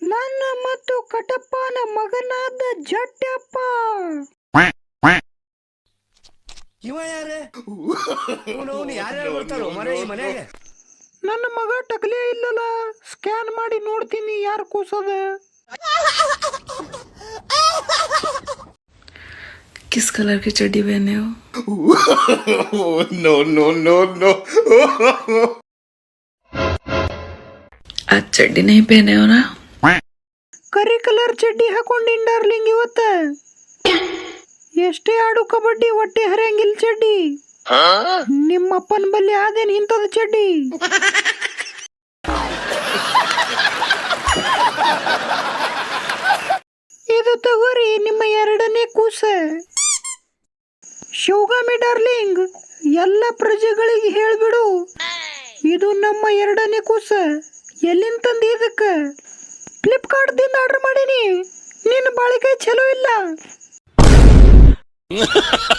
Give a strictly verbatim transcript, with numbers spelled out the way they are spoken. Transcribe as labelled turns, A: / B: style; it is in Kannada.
A: ನನ್ನ ಮತ್ತು ಕಟಪ್ಪನ ಮಗನಾದ ಜಟ್ಯಪ್ಪ.
B: ಇವ ಯಾರೇ ಯಾರ್ಯಾರು ಬರ್ತಾರೋ ಮನೆ ಈ ಮನೆಗೆ?
A: ನನ್ನ ಮಗ ಟಕಲೇ ಇಲ್ಲಲ್ಲ, ಸ್ಕ್ಯಾನ್ ಮಾಡಿ ನೋಡ್ತೀನಿ ಯಾರು ಕೂಸದ.
C: किस कलर की चड्डी पहने हो?
D: नो नो नो नो
C: आज चड्डी नहीं पहने हो ना?
A: ಕರಿ ಕಲರ್ ಚಡ್ಡಿ ಹಾಕೊಂಡಿನ್ ಡಾರ್ಲಿಂಗ್ ಇವತ್ತ. ಎಷ್ಟೇ ಆಡು ಕಬಡ್ಡಿ ಹೊಟ್ಟೆ ಹರಿಯಂಗಿಲ್ ಚಡ್ಡಿ. ನಿಮ್ಮಪ್ಪನ ಬಲ್ಲಿ ಆದೇನ್ ಇಂಥದ ಚಡ್ಡಿ. ಇದು ತಗೋರಿ ನಿಮ್ಮ ಎರಡನೇ ಕೂಸ. ಶಿವಗಾಮಿ ಡಾರ್ಲಿಂಗ್, ಎಲ್ಲ ಪ್ರಜೆಗಳಿಗೆ ಹೇಳ್ಬಿಡು, ಇದು ನಮ್ಮ ಎರಡನೇ ಕೂಸ. ಎಲ್ಲಿಂದ ತಂದಿ ಇದಕ್ಕ? ಫ್ಲಿಪ್ಕಾರ್ಟ್ ದಿಂದ ಆರ್ಡರ್ ಮಾಡೀನಿ. ನಿನ್ನ ಬಾಳಿಕೆ ಚಲೋ ಇಲ್ಲ.